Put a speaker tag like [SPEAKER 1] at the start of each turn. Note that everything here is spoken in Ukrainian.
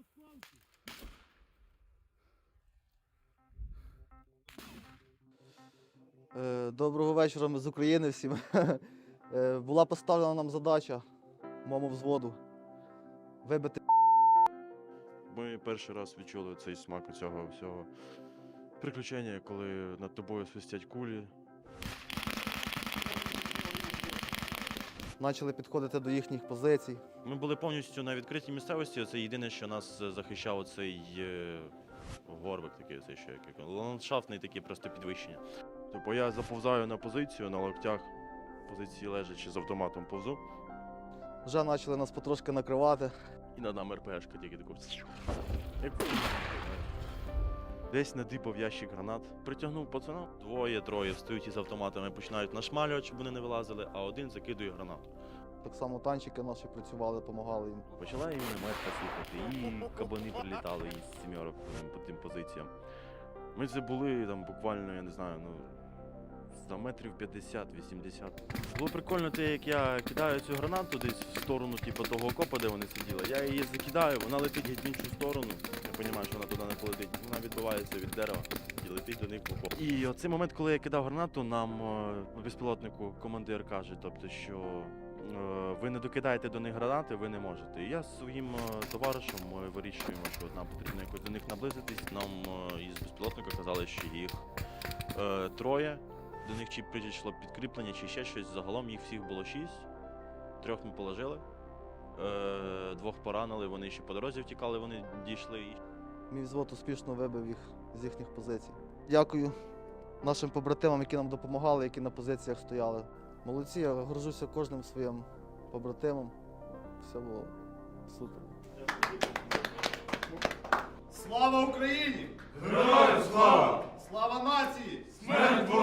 [SPEAKER 1] Доброго вечора, ми з України всім. Була поставлена нам задача моєму взводу вибити.
[SPEAKER 2] Ми перший раз відчули цей смак цього всього приключення, коли над тобою свистять кулі.
[SPEAKER 1] Почали підходити до їхніх позицій.
[SPEAKER 2] Ми були повністю на відкритій місцевості. Це єдине, що нас захищав цей горбик, такий цей що як ландшафтний такий просто підвищення. Тобто я заповзаю на позицію на локтях, позиції лежачи з автоматом повзу.
[SPEAKER 1] Вже почали нас потрошки накривати.
[SPEAKER 2] І над нами РПшка тільки таку. Десь надипав ящик гранат, притягнув пацана. Двоє-троє встають із автоматами, починають нашмалювати, щоб вони не вилазили, а один закидує гранату.
[SPEAKER 1] Так само танчики наші працювали, допомагали їм.
[SPEAKER 2] Почала і мінометка слухати, і кабани прилітали із сімерок по тим позиціям. Ми це були там буквально, я не знаю, за метрів 50-80. Було прикольно те, як я кидаю цю гранату десь в сторону типу, того окопа, де вони сиділи. Я її закидаю, вона летить геть в іншу сторону. Я розумію, що вона туди не полетить. Вона відбивається від дерева і летить до них в окоп. І оцей момент, коли я кидав гранату, нам безпілотнику командир каже, тобто, що ви не докидаєте до них гранати, ви не можете. І я з своїм товаришем ми вирішуємо, що нам потрібно якось до них наблизитись. Нам із безпілотника казали, що їх троє. До них чи прийшло підкріплення, чи ще щось. Загалом їх всіх було 6. 3 ми положили, 2 поранили, вони ще по дорозі втікали, вони дійшли.
[SPEAKER 1] Мій взвод успішно вибив їх з їхніх позицій. Дякую нашим побратимам, які нам допомагали, які на позиціях стояли. Молодці, я горжуся кожним своїм побратимом. Все було супер.
[SPEAKER 3] Слава Україні!
[SPEAKER 4] Героям слава!
[SPEAKER 3] Слава нації!
[SPEAKER 4] Смерть ворогам!